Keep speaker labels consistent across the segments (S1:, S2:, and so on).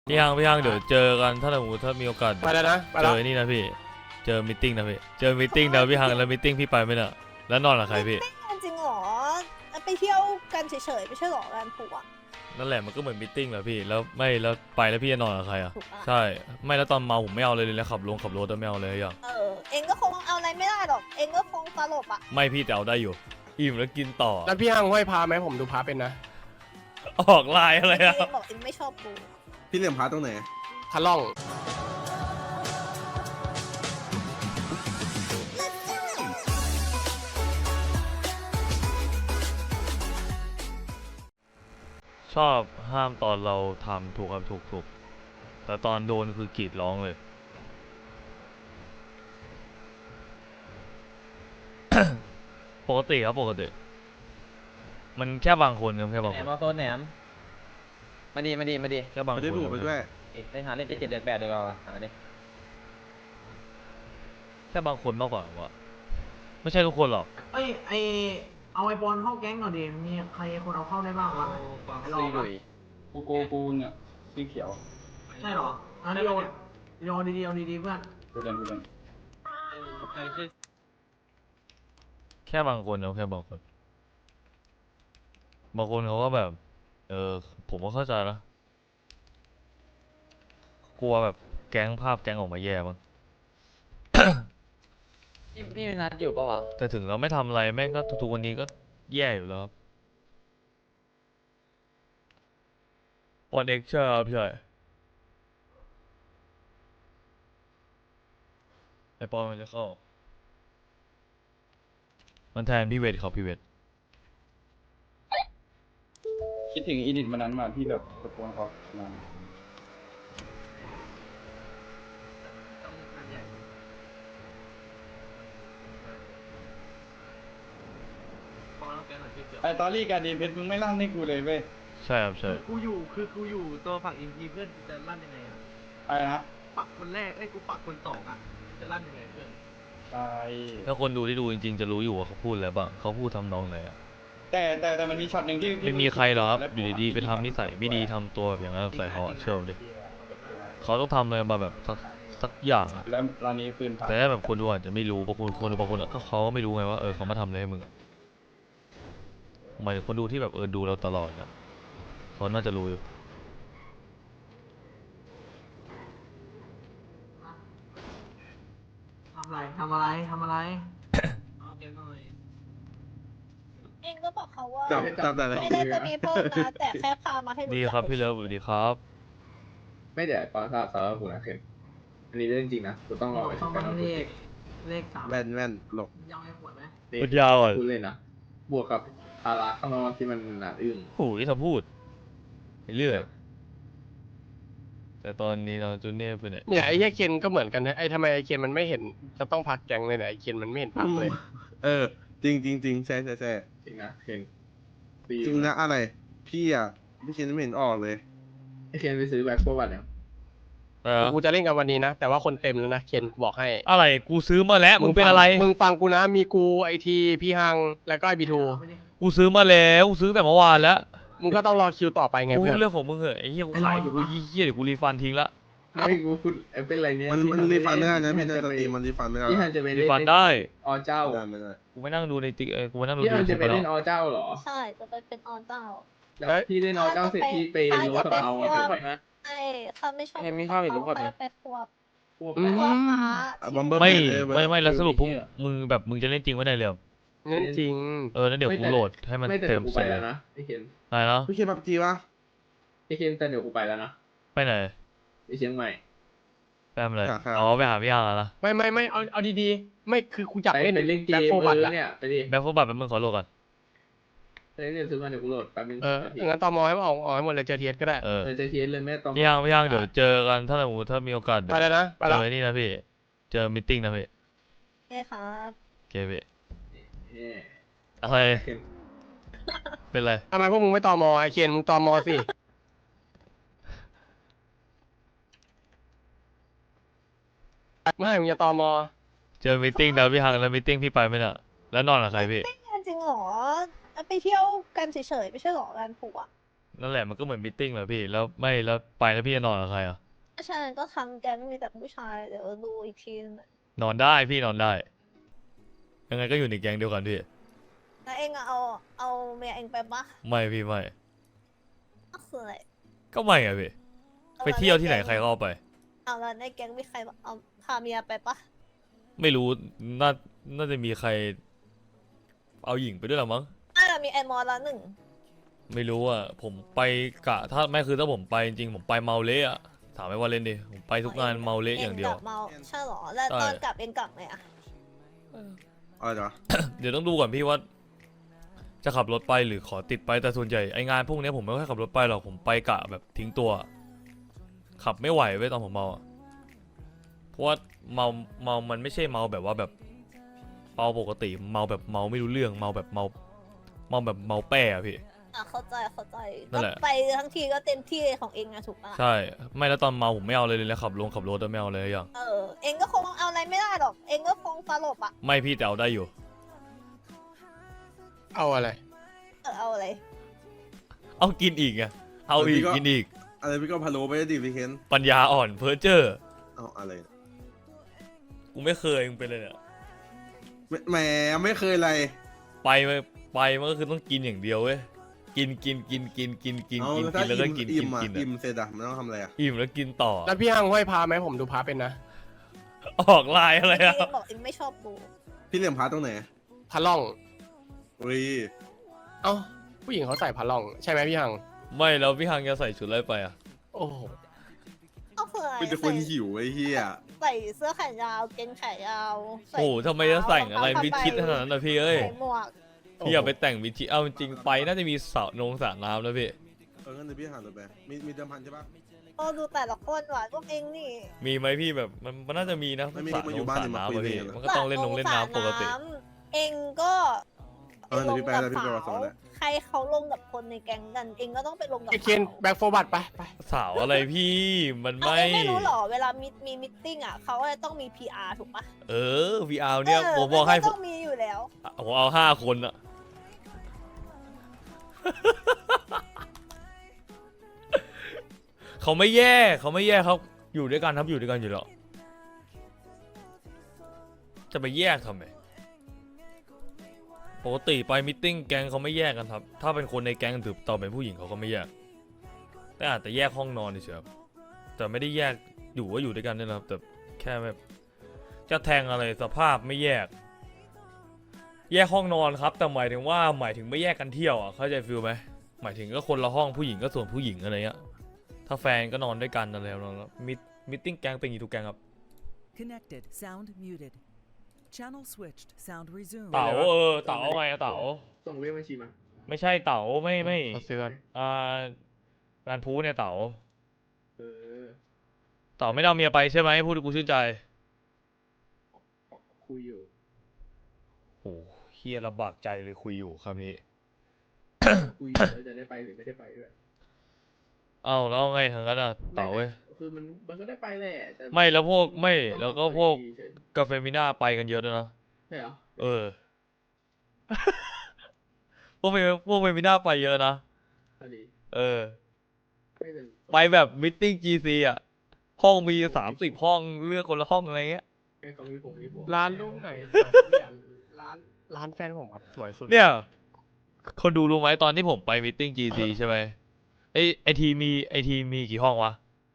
S1: พี่ฮังเดี๋ยวเจอกันถ้าสมมติถ้ามีโอกาส
S2: ไปแล้วนะไป
S1: เจ
S2: แล้ว
S1: อนี่นะพี่เจอมิทติ้งนะพี่เจอมิทติ้งนะพี่ฮังแล้วมิทติ้งพี่ไปไหมเนี่ยแล้วนอนกับใครพี่
S3: จริงเหรอไปเที่ยวกันเฉยๆไม่ใช่หรอกันผัว
S1: นั่นแหละมันก็เหมือนมิทติ้งแหละพี่แล้วไม่แล้วไปแล้วพี่จะนอนกับใครอ่ะ
S3: ถูกปะ
S1: ใช่ไม่แล้วตอนเมาผมไม่เอาเลยแล้วขับรถไม่เอาเลยอย่าง
S3: เองก็คงเอาอะไรไม่ได้หรอกเองก็คงตลบอ่ะ
S1: ไม่พี่แต่เอาได้อยู่อิ่มแล้วกินต่อ
S2: แล้วพี่ห้างห้อยพาไหมผมดูพาเป็นนะ
S1: ออกลายอะไร
S3: เอ
S1: อ่ะ
S3: งบอกเองไม่ชอบกู
S4: พี่เหลี่ยมพาตรงไหน
S2: ทะล่อง
S1: ชอบห้ามตอนเราทำถูกครับถูกแต่ตอนโดนคือกรีดร้องเลย ปกติครับปกติมันแค่บางคนครับแค่บาง
S5: แหน
S1: ค
S5: ม
S1: น
S5: เอาโซนแหนมมาดี
S1: แค่บางค
S4: ไม่
S1: น
S4: ได้ดูดไปด้วย
S5: ได้หาเล่นได้7 เดือน 8 เดือนเราหาดิ
S1: แค่บางคนมากกว่าว่าไม่ใช่ทุกคนหรอก
S6: เอ้ยเอาไอบอลเข้าแก๊งหน่อยดิมีใครคนเอาเข้าได้บ้างวะไอ้รอ
S5: ซี
S6: บ
S5: ลุ
S6: อะ
S5: ย
S7: กูเนี่ยสีเขียว
S6: ใช่เหรออันนี้โยนดีๆเอาดีๆเพื่อน
S7: กูเดิน
S1: แค่บางคนครับแค่บางคนบางคนเขาก็แบบ ผมก็เข้าใจนะกลัวแบบแก๊งภาพแก๊งออกมาแย่มั้ง
S5: พี่นัดอยู่ปะวะ
S1: แต่ถึงเราไม่ทำอะไรแม่งก็ทุกๆวันนี้ก็แย่อยู่แล้วครับออนเอ็กใช่ครับใช่ไอปอนมันจะเข้ามันแทนพี่เวทครับพี่เวท
S7: คิดถึงอีดิทมันนั้นมาที่แบบตะโกนเขามา ไอตอรี่การดีเพชรมึงไม่ลั่นให้กูเลยเว้ย
S1: ใช่ครับใช่
S6: กูอยู่ตัวฝั่งอินทีเพื่อนจะลั่นยังไงอะ
S7: อะไรนะ
S6: ปักคนแรกกูปักคนสองอะจะลั่นยังไงเพื่อน
S7: ตาย
S1: ถ้าคนดูที่ดูจริงๆจะรู้อยู่ว่าเขาพูดอะไรบ้างเขาพูดทำนองไหนอะ
S7: แต่มันมีช็อตหนึ่งที่
S1: ไม่มีใครหรอกครับอยู่ดีๆไปทำนิสัยไม่ดีทำตัวแบบอย่างนั้นใส่เขาอะเชื่อผมดิเขาต้องทำอะไรมาแบบสักอย่างอะ
S7: แล้วร้านนี้ปืนผ่าน
S1: แต่ถ้าแบบคนดูอาจจะไม่รู้บางคนอะก็เขาก็ไม่รู้ไงว่าเขามาทำอะไรให้มึงอะหมายถึงคนดูที่แบบดูเราตลอดอะเขาน่าจะรู้อยู่
S6: ทำอะไรเอาเดี๋ยวหน่อย
S3: เองก็บอกเขาว่า
S4: จับแต่ละ
S3: ไม่ได้จะมีเพิ่มนะแต่แค่พามาให้รู้
S1: ดี
S3: จัก
S1: ครับพี่เลิฟสวัสดีครับ
S8: ไม่เดี๋ยวปอสาระผมนะเคนอันนี้เรื่องจริงนะกูต้องรอไป
S6: ต้อง
S8: กั
S6: มาน เลข3
S4: แว่นหลบ
S6: ยาวให้ปวดไหม
S1: พูดยาวอ่ะ
S8: พูดเลยนะ บวกกับภาระข้างนอกที่มันหนาอึ้ง
S1: โอ้ยถ้าพูดไปเรื่อยแต่ตอนนี้เราจูเน่ไปไหน
S2: เนี่ยไอ้เหี้ยเคนก็เหมือนกันนะไอ้ทำไมไอ้เคนมันไม่เห็นจะต้องพักแก๊งเลยเนี่ยไอ้เคนมันไม่เห็นพักเลย
S4: จริงใช่
S8: จริงนะเคนปี
S4: จริงนะอะไร พี่คิดไม่เห็นออกเลย
S8: ไอ้เคนไปซื้อแบ็คโฟบัตแล้ว
S2: กูจะเล่นกันวันนี้นะแต่ว่าคนเต็มแล้วนะเคนบอกให้
S1: อะไรกูซื้อมาแล้วมึงเป็นอะไร
S2: มึงฟังกูนะมีกูไอทีพี่ฮังแล้วก็ไอบีทู
S1: กูซื้อมาแล้วกูซื้อแต่เมื่อวานแล้ว
S2: มึงก็ต้องรอคิวต่อไปไง
S1: กู
S2: เพื่อน
S1: เรื่องของมึงเหอะไอ้เหี้ยกูขายอยู่กูเหี้ยเดี๋ยวกูรีฟันทิ้งละ
S8: ไม่กูพูดเป็นไรเนี่ย
S4: มันรีฟันไม่ได้นะพี่ในสตรีมมันรีฟันไม่ได้
S8: พี่ฮันจะไป
S1: รี
S8: เล่น
S1: ฟันได้
S8: อเจ้า
S4: ไม่ได้
S1: กูไม่นั่งดูในติ๊กกูไม่นั่งดู
S8: พี่ฮัน
S1: ใน
S8: จะไป
S1: แล้
S8: เล่น
S1: ว
S8: อเจ้าเหรอ
S3: ใช่จะไปเป็นออนเจ้า
S8: แล้วพี่เล่นอเจ้าเสร็จพี่ไปโน้ตกับเอาอะ
S3: ใช่เขาไม่ชอบ
S5: เห็นมีข้าวอีกหรือเปล่า
S3: ไปควบ
S2: อืม
S3: ควบพา
S4: บัมเบอร์
S1: ไม่แล้วสรุปพวกมึงแบบมึงจะเล่นจริงวะเนี่ยเรียว
S2: งั้นจริง
S1: นั่นเดี๋ยวกูโหลดให้มัน
S8: ไม่แต่
S1: เต็
S8: เดี๋ย
S1: ม
S8: วกู
S1: เส
S8: ไป
S1: ร็จ
S8: แล้วนะไอเคน
S1: อะไรเนาะ
S4: พี่เคนพับจีวะ
S8: ไอเคนแต่เดี๋ยวกูไปแล้วนะ
S1: ไปไหน
S8: ไปเชียงใหม่
S1: ไปทำอะไรอ๋อไปหาพี่ฮังแล้วนะ
S2: ไม่เอาดีๆไม่คือกูอยาก
S8: ไป
S2: เล่น
S8: เล่นเก
S2: แบ็ค
S8: ม
S2: โฟบัตอะ
S8: เนี่ยไปดิ
S1: แบ็คโฟบัตเป็นมึงขอโหลดก่อน
S8: ไปเล่นซื้อมาเดี๋ยวกูโหลดแป๊บนึง
S2: งั้นตอมอให้มันออกให้หมดเลยเจอเทียสก็ได้
S8: จะเทียนเลยแม่ต้อง
S1: พี่ฮังเดี๋ยวเจอกันถ้าสมมติถ้ามีโอกาส
S2: ไปแล้วนะไป
S1: เจ
S2: แล้ว
S1: อนี่นะพี่เจอมิทติ้งนะพี่
S3: ใช่ครับ
S1: โอเคพี่
S8: เนี่ย
S1: อะไรเป็นไร
S2: ทำไมพวกมึงไม่ตอมอไอเคนมึงตอมอสิไม่มึงจะตอมอ
S1: เจอมิทติ้งนะพี่ฮังแล้วมิทติ้งพี่ไปไหมน่ะแล้วนอนกับใครพี่
S3: จริงเหรอไปเที่ยวกันเฉยๆไม่ใช่หรอกันผัว
S1: นั่นแหละมันก็เหมือนมีตติ้งแหละพี่แล้วไม่แล้วไปแล้วพี่จะนอนกับใครอ่ะ
S3: ใช่ก็ทั้งแก๊งมีแต่ผู้ชายเดี๋ยวดูอีกทีนึงอะ
S1: นอนได้พี่นอนได้ยังไงก็อยู่ในแก๊งเดียวกันพี่
S3: แล้วเองอะเอาเมียเองไปปะ
S1: ไม่พี่ไม่
S3: ก็คืออะไร
S1: ก็ไม่อะพี่ไปเที่ยวที่ไหนใครก็เอาไป
S3: เอาแล้วในแก๊งมีใครเอาพาเมียไปปะ
S1: ไม่รู้น่าจะมีใคร เอาหญิงไปด้วยหรอมั้ง
S3: น่าจะมีไอมอลละหนึ่ง
S1: ไม่รู้อ่ะผมไปกะถ้าไม่คือถ้าผมไปจริงๆผมไปเมาเละอะถามไอ้ว่าเล่นดิผมไปทุกงานเมาเละอย่างเดียว
S3: กลับเมาใช่เหรอแล้ว
S1: ใช่
S3: ตอนกลับเองกลับไงอะ
S4: อะไรจ๊ะ
S1: เดี๋ยวต้องดูก่อนพี่ว่า จะขับรถไปหรือขอติดไปแต่ส่วนใหญ่ไองานพวกเนี้ยผมไม่ค่อยขับรถไปหรอกผมไปกะแบบทิ้งตัว ขับไม่ไหวเว้ยตอนผมเมาอะเพราะว่าเมามันไม่ใช่เมาแบบว่าแบบเมาปกติเมาแบบเมาไม่รู้เรื่องเมาแบบเมาแบบเมาแป้อะพี่
S3: อ่ะเข้าใจ
S1: นั่
S3: ก็
S1: นแหละ
S3: ไปทั้งทีก็เต็มที่ของเองอะถูกปะ
S1: ใช่ไม่แล้วตอนเมาผมไม่เอาเลยแล้วขับรถไม่เอาเลยอย่าง
S3: เองก็คงเอาอะไรไม่ได้หรอก เองก็คงสลบอะ
S1: ไม่พี่แต่เอาได้อยู่
S2: เอาอะไร
S3: เอาอะไร
S1: เอากินอีกไงเอาอีกกินอีก
S4: อะไรพี่ก็พะโล้ไปดิพี่เคน
S1: ปัญญาอ่อนเพ้อเจ้อ
S4: เอาอะไรนะ
S1: กูไม่เคยมึงเป็นเลยเนี่ย
S4: แหมไม่เคยอะไร
S1: ไปมันก็คือต้องกินอย่างเดียวเว้ยกิน
S4: เอา
S1: แล้วก็กิน
S4: อิ่มอ่ะ
S1: กิน
S4: อิ่มเสร็จอ่ะมันต้องทำอะไรอ่ะ
S1: อิ่มแล้วกินต่อ
S2: แล้วพี่ฮังห้อยพาไหมผมดูพาเป็นนะ
S1: ออกลายอะไร
S3: เอ
S1: อ่ะ
S3: งบอกเองไม่ชอบดู
S4: พี่เหลี่ยมพาร์ตตรงไหน
S2: พาล่อง
S4: อุ้ย
S2: เอ้าผู้หญิงเขาใส่พาล่องใช่ไหมพี่ฮัง
S1: ไม่แล้วพี่ฮังจะใส่ชุดอะไรไปอ่ะ
S2: โอ้โห
S3: ก็คืออะไร
S4: เป็นแต่คนหิวไอ้เหี้ย
S3: ใส่เสื้อแขนยาวเกงขายาวใส่
S1: โอ้โหทำไมจะใส่อะไร
S3: รอง
S1: มิด
S3: เท้า
S1: ชิดขนาดนั้นนะพี่เอ้ย
S3: ใส่หมวก
S1: พี่อย่าไปแต่งมิดชิดเอาจริงๆไปน่าจะมีสระน้ำแล้วพี่
S4: งั้นเดี๋ยวพี่หาตัวไปมีเดิมพันใช่ปะ
S3: โอ้ดูแต่ละคนว่ะพวกเองนี่
S1: มีไหมพี่แบบมันน่าจะมีนะ
S4: ไม่มี
S1: สระ
S4: มาอยู่บ้านเนี่ยมาคุย
S1: อะพี่
S4: กันเลย
S1: มันก็ต้องเล่นน้ำปกติ
S3: สระน้ำเองก็
S4: เดี๋ยวพี่ไปแล้วพี่ไปรอสอนแล้ว
S3: ใครเขาลงกับคนในแก๊งกัน เองก็ต้องไปลงกับ
S2: ไอเคนแบ็คโฟบัตไป
S1: สาวอะไรพี่มัน
S3: เอา
S1: ไม่
S3: เองไม่รู้หรอเวลามีมิทติ้งอ่ะเขาจะต้องมี PR ถูกปะ
S1: เออ VR เนี่ยผมบอกให้
S3: นต้องมีอยู่แล้ว
S1: ผมเอา5 คนอะเขาไม่แย่เขาอยู่ด้วยกันครับอยู่ด้วยกันอยู่แล้วจะไปแยกทำไมปกติไปมิทติ้งแก๊งเขาไม่แยกกันครับถ้าเป็นคนในแก๊งถือต่อเป็นผู้หญิงเขาก็ไม่แยกแต่อาจจะแยกห้องนอนเฉยๆครับแต่ไม่ได้แยกอยู่ก็อยู่ด้วยกันนี่แหละครับแต่แค่แบบจะแทงอะไรสภาพไม่แยกห้องนอนครับแต่หมายถึงไม่แยกกันเที่ยวอ่ะเข้าใจฟิลไหมหมายถึงก็คนละห้องผู้หญิงก็ส่วนผู้หญิงอะไรเงี้ยถ้าแฟนก็นอนด้วยกันอะไรแล้วมิทติ้งแก๊งเป็นอย่างนี้ทุกแก๊งครับ
S9: Connected. Sound muted. Channel switched. Sound resumed.
S1: เต๋าเต๋าไงอะเต๋า
S8: ส่งเลขบัญชีมา
S1: ไม่ใช่เต๋าไม่
S2: เขาซื้อกัน
S1: งานพูเนี่ยเต๋า
S8: เออ
S1: เต๋าไม่ได้เอาเมียไปใช่ไหมพูดให้กูชื่นใจ
S8: คุยอยู่
S1: โอ้เฮียลำบากใจเลยคุยอยู่คำนี้
S8: คุยอยู่แล้วจะได้ไปหรือไม่ได้ไปด้วย
S1: เอ้าแล้วไงทางนั้นอะเต๋าเว้ย
S8: คือมันก็ได้ไปแหละแต่
S1: ไม่แล้วพวกไม่แล้วก็พวก
S8: เฉย
S1: กาเฟมิน่าไปกันเยอะด้วยนะ
S8: ๆใช่เหรอ
S1: เออ พวกเฟมิน่าไปเยอะนะ
S8: พอดี
S1: เออ
S8: ไม่เป็น
S1: ไปแบบมิทติ้ง GC อ่ะห้องมี30 ห้องเลือกคนละห้องอะไรเงี้ย
S8: ไม่เขามีผมมีผม
S2: ร้านลูกไหนร้านแฟนผมครับสวยสุด
S1: เนี่ย คนดูรู้ไหมตอนที่ผมไปมิทติ้ง GC ใช่ไหมไอทีมีกี่ห้องวะ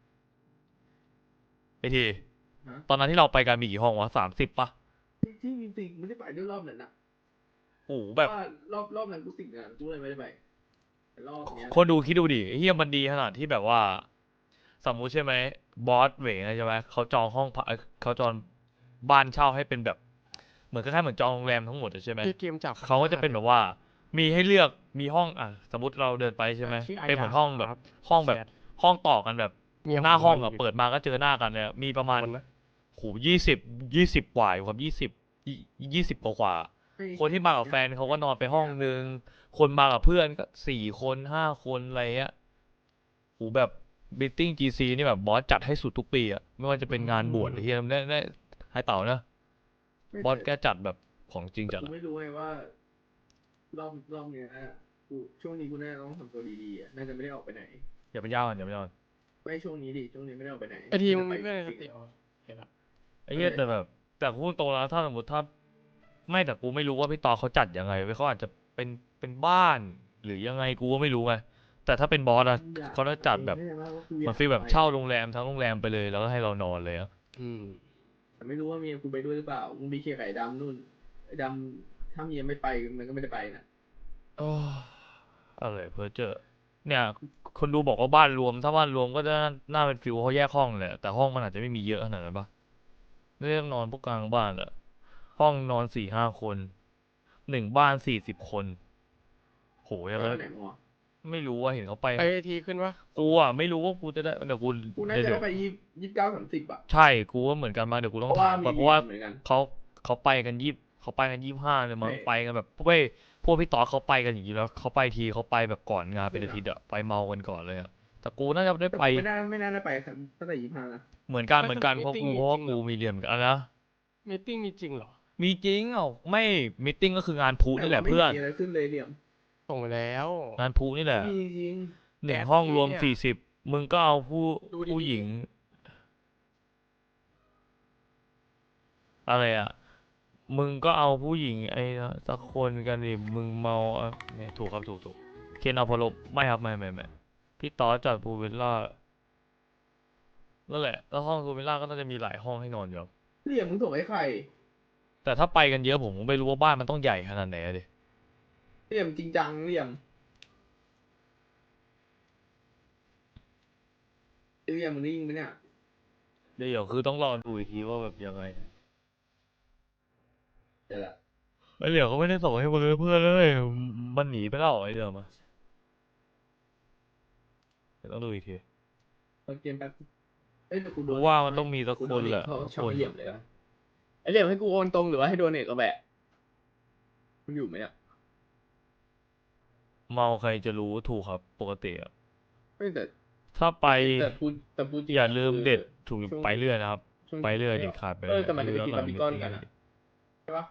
S1: ไอทีตอนนั้นที่เราไปกันมีกี่ห้องวะ30 ป่ะ
S8: ที่จริงๆไม่ได้ไปด้วยรอบนั้นนะ
S1: โอ้โหแบบ
S8: ว่ารอบนั้นกูติดงานกูเลยไม่ได้ไปแต่รอบเนี้ย
S1: คนดูคิดดูดิเฮียมันดีขนาดที่แบบว่า สมมุติใช่ไหมบอสเหวงใช่ไหมเขาจองห้องพักเขาจองบ้านเช่าให้เป็นแบบ เหมือนคล้ายๆเหมือนจองโรงแรมทั้งหมดอะใช่ไหม
S2: พี่เกมจับ
S1: เขาก็จะเป็นแบบว่า มีให้เลือกมีห้องสมมติเราเดินไปใช่ไหม
S2: ชื่ออา
S1: เป็นเหมือน
S2: ญา
S1: ห้องแบบ ห้องแบบ ห้องต่อกันแบบ
S2: เมียผม
S1: หน้าห้องอะ
S2: ยู่
S1: เปิดมาก็เจอหน้ากันเนี่ยมีประมาณ
S2: คนนะ
S1: โห20 กว่าอยู่ครับ20 กว่า คนที่มากับแฟนเขาก็นอนไปห้องนึง คนมากับเพื่อนก็4 คน5 คนอะไรเงี้ยโหแบบบิทติ้ง GC นี่แบบบอสจัดให้สุดทุกปีอะไม่ว่าจะเป็นงานบวชหรือที่ได้ให้เต่านะ บอสแกจัดแบบของจริงจัด
S8: กู
S1: อะ
S8: ไม่รู้ไงว่ารอบเนี้ยกูช่วงนี้กูน่าจะต้องทำตัวดีๆอ่ะน่าจะไม่ได้ออกไปไหน
S1: อย่าเป็นยาวก่อนอย่าเป็นยาวก่อน
S8: ไม่ช่วงนี้ดิช่วงนี้ไม่ได้ออกไปไหน
S2: ไอทีมึงมี
S8: จะ
S2: เพื่อนในส
S8: จ
S2: ติ
S8: ริง
S2: อ๋อเห็นละ
S1: ไอ้เหี้ยแต่แบบแต่พูดตรงแล้วถ้าสมมติถ้าไม่แต่กูไม่รู้ว่าพี่ต่อเขาจัดยังไงเว้ยเขาอาจจะเป็นบ้านหรือยังไงกูก็ไม่รู้ไงแต่ถ้าเป็นบอสอะเขาจะจัดแบบมันฟีลแบบเช่าโรงแรมทั้งโรงแรมไปเลยแล้วก็ให้เรานอนเลยอะ
S2: อืม
S8: แต่ไม่รู้ว่าเมียกูไปด้วยหรือเปล่ามึงมีเคไข่ดำนู่นไอ้ดำถ้าเมียไม่ไปมันก็ไม่ได้ไปนะ
S1: โอ้อะไรเพ้อเจอเนี่ย คนดูบอกว่าบ้านรวม ถ้าบ้านรวมก็จะน่าเป็นฟิลเขาแยกห้องแหละแต่ห้องมันอาจจะไม่มีเยอะขนาดนั้นปะไม่ได้นอนพวกกลางบ้านแหละห้องนอน4-5 คน1 บ้าน40 คนโหยังไง
S8: แล้วไหนวะ
S1: ไม่รู้ว่าเห็นเขาไป
S2: ไอทีขึ้นปะ
S1: กูอ่ะไม่รู้ว่ากูจะได้เดี๋ยวกู
S8: กูน่าจะ
S1: เดี๋
S8: ได้
S1: ยว
S8: ไป29-30อ่ะ
S1: ใช่กูว่าเหมือนกันมาเดี๋ยวกู
S8: เพ
S1: ต้อง
S8: ราะว่า
S1: ถาม
S8: มี
S1: ก่อนเพราะว่า
S8: เหมือนกัน
S1: เขาไปกัน25เลยมั้ง
S8: ใช่
S1: ไปกันแบบเว้ยพวกพี่ต่อเขาไปกันอย่างนี้แล้วเขาไปทีเขาไปแบบก่อนงานเป็นอาทิตย์อะไปเมากันก่อนเลยอะแต่กูน่าจะได้ไป
S8: ไม่น่าได้ไปตั้งแต่25นะ
S1: เหมือนกันเพราะกูมีเรียนเหมือนกันนะ
S2: มีตติ้งมีจริงเหรอ
S1: มีจริงเอ้าไม่มิทติ้งก็คืองานพูนี่แหละ
S8: แต่ว่า
S1: เพื่อน
S8: ไม่มีอะไรขึ้นเลยเหลี่ยม
S2: ส่งไปแล้ว
S1: งานพูนี่แหละ
S8: ไม่มีจริง
S1: หนึ่ง
S2: แอด
S1: ห้องรวม
S2: เนี่ย
S1: 40มึงก็เอาผู้
S2: ดูดีๆ
S1: ผู้หญิง อะไรอ่ะ มึงก็เอาผู้หญิงไอ้นะสักคนกันดิมึงเมาอ่ะเนี่ยถูกครับถูกเคนเอาพอลบไม่ครับไม่พี่ต่อจัดพูลวิลล่านั่นแหละแล้วห้องพูลวิลล่าก็น่าจะมีหลายห้องให้นอนอยู่ครับ
S8: เหลี่ยมมึงส่งให้ใคร
S1: แต่ถ้าไปกันเยอะผมก็ไม่รู้ว่าบ้านมันต้องใหญ่ขนาดไหนอะดิ
S8: เหลี่ยมจริงจังเหลี่ยมมึงได้ยินไหมเนี่ย
S1: เดี๋ยวคือต้องรอดูอีกทีว่าแบบยังไง
S8: เดี๋ยวละ
S1: ไอ้เหลียวเขาไม่ได้ส่งให้เพื่อนเลยมันหนีไปแล้วไอ้เดิมอะเดี๋ยวต้องดูอีกที
S8: ตอนเกมแป๊บเอ้ยเดี๋ยวกูโด
S1: กู
S8: น
S1: ว่ามันต้องมีสัก
S8: กู
S1: ค
S8: โด
S1: น
S8: เต
S1: แหละ
S8: เขาชอบ
S1: คน
S8: ไอ้เหลี่ยมเลยวะไอ้เหลี่ยมให้กูโอนตรงหรือว่าให้โดเนทก็แบะมันอยู่ไหมเนี่ย
S1: เมาใครจะรู้ถูกครับปกติอะ
S8: ไม่แต่
S1: ถ้าไป
S8: แต่พูดจริง
S1: อย่าลืม
S8: คือ
S1: เด็ดถูก
S8: ช่วง
S1: ไปเรื่อยนะครับ
S8: ช่วง
S1: ไปเรื่อยเด็ดขาดไป
S8: เอ
S1: เรื่
S8: อ
S1: อย
S8: แต่มันจะไปกิน
S1: ดู
S8: บาร์บีคอนกัน
S1: หลั
S8: อะ
S1: ง
S8: ใช่ปะ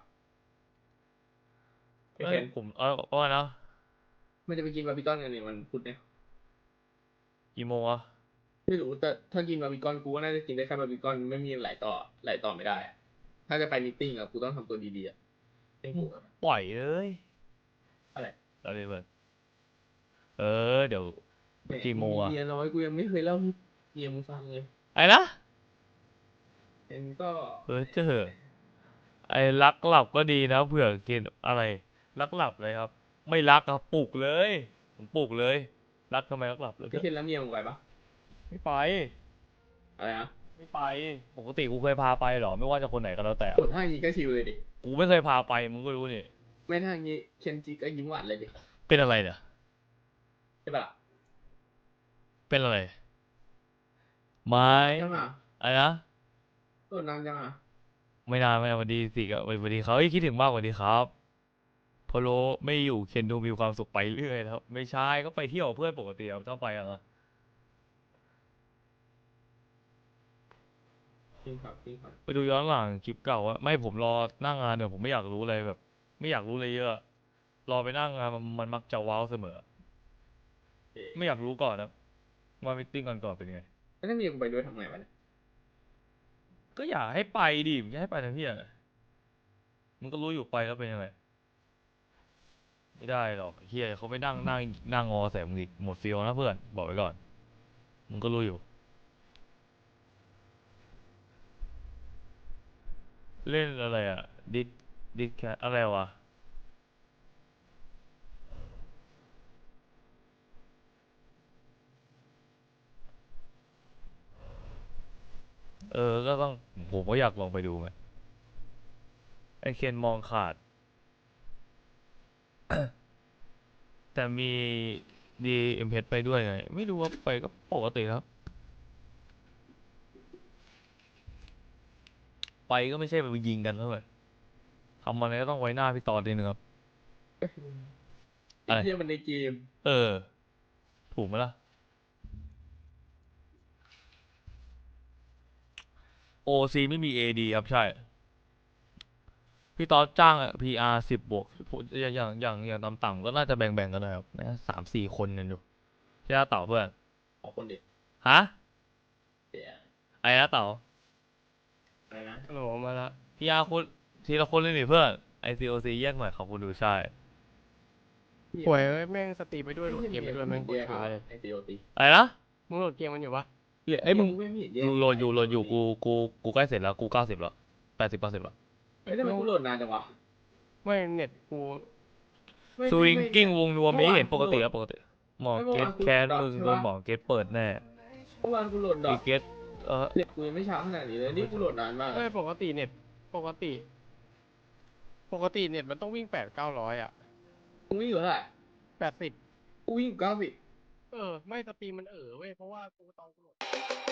S1: เอ้ยผมเอาว่านะ
S8: มันจะไปกินบาร์บีคอนกันเนี่ยมันพุธเนี่ย
S1: กี่โมงอะ
S8: ไม่รู้แต่ถ้ากินบาร์บีคอนกูก็น่าจะกินได้แค่บาร์บีคอนไม่มีหลายต่อไม่ได้อะถ้าจะไปมีตติ้งอะกูต้องทำตัวดีๆอะเต็งกูอะ
S1: ปล่อยเลย
S8: อะไร
S1: อะไรเบิร์ดเดี๋ยว กี่โมงอะ
S8: เมียน้อยกูยังไม่เคยเล่าให้เมียมึงฟังเลย
S1: ไอ้นะ
S8: เอ็นก็
S1: เจอไอ้รักหลับก็ดีนะเผื่อกินอะไรรักหลับเลยครับ ไม่รักครับปลุกเลยผมปลุกเลย รักทำไมรักหลับเลย
S8: พี่เคนแล้วเมียมึงไปปะ
S1: ไม่ไป
S8: อะไรนะ
S1: ไม่ไป ปกติกูเคยพาไปเหรอ ไม่ว่าจะคนไหนก็แล้วแต่
S8: กดท่าอย่างนี้ก็ชิวเลยดิ
S1: กูไม่เคยพาไปมึงก็รู้นี่
S8: ไม่ท่าอย่างนี้เคนจีก็ยิ้มหวานเลยดิ
S1: เป็นอะไรเนี่ย
S8: ใช่ปะล่ะ
S1: เป็นอะไร ไม่
S8: ยังอ่ะ
S1: อะไรนะ
S8: ตัวนานยังอ่ะ
S1: ไม่นานไม่นานสวัสดีสิครับสวัสดีเขาคิดถึงมากสวัสดีครับพอโลไม่อยู่เคนดูมีความสุขไปเรื่อยแล้วไม่ใช่ก็ไปเที่ยวกับเพื่อนปกติครับชอบไปอะนะ
S8: จริงครับจริงครับ
S1: ไปดูย้อนหลังคลิปเก่าว่าไม่ผมรอหน้างานเดี๋ยวผมไม่อยากรู้อะไรแบบ ไม่อยากรู้อะไรเยอะ รอไปหนั่งงานมันมักจะว้าวเสมอ ไม่อยากรู้ก่อนนะว่ามิทติ้งก่อนเป็นไง
S8: แล้วถ้าเมียกูไปด้วยทำไงวะเนี่ย
S1: ก็อยากให้ไปดิมึงจะให้ไปทำเพี้ยอะไรมึงก็รู้อยู่ไปแล้วเป็นยังไงไม่ได้หรอกเฮียเขาไม่นั่งงอใส่มึงอีกหมดฟิลนะเพื่อนบอกไว้ก่อนมึงก็รู้อยู่ เล่นอะไรอ่ะดิดแคทอะไรวะก็ต้องผมก็อยากลองไปดูไงไอเคนมองขาด แต่มีดีเอ็มเพไปด้วยไง ไม่รู้ว่าไปก็ปกติครับ ไปก็ไม่ใช่ไปยิงกันเท่าไหร่ทำอะไรก็ต้องไว้หน้าพี่ต่อดีนึงครับ อะไร
S8: ไอ้เหี้ยมันในเกม
S1: ถูกไหมล่ะ OC ไม่มี AD ครับใช่พี่ต๊อดจ้างPR 10 บวกอย่างต่ำๆก็น่าจะแบ่งกันหน่อยครับนะ3-4 คนกันอยู่ใช่ไหมเต่าเพื่อน
S8: ขอบคนเด็ก
S1: ฮะ
S8: เดี๋ยว
S1: ไอ้นะเต่า
S8: อะไรนะ
S2: ฮัลโหลมาละ
S1: PR คุณทีละคนเลยนี่เพื่อน ICOC แยกหน่อยขอบคุณดูใช่
S2: ป่วยเอ้ยแม่งสตรีมไปด้วยโหลดเกมไปด้วยแม่งโคตรช้าเลย
S8: ไอซีโอตี
S1: อะไรนะ
S2: มึงโหลดเกมมันอยู่ปะ
S1: ไอ้ยมึง
S8: ไม่เห็นแยก
S1: โหลดอยู่กูใกล้เสร็จแล้วกู90แล้ว80%แล้ว
S8: เฮ้ยทำไมกูโหลดนานจังวะ
S2: ไม่เน็ตกู
S1: สวิงกิ้งวงรวมนี้เห็นปกติ
S8: เมื่อวาน
S1: แล้วปกติหมอ
S8: เมื่อ
S1: เก
S8: วา
S1: ต
S8: นกู
S1: แคน
S8: ดรอป
S1: มึง
S8: ใช่
S1: โด
S8: ปะ
S1: นหมอเกตเปิดแน่
S8: เมื่อวานกูโหลดดอ
S1: อี
S8: ก
S1: เกต
S8: เน็ตกูยังไม่ช้าขนาดนี้เลยนี่กูโหลดนานมาก
S2: เอ้ยปกติเน็ตปกติเน็ตมันต้องวิ่ง800-900อ่ะ
S8: กูวิ่งอยู่เท่าไหร่
S2: 80
S8: กูวิ่งอยู่90
S2: ไม่สตรีมมันเว้ยเพราะว่ากูตอนกูโหลด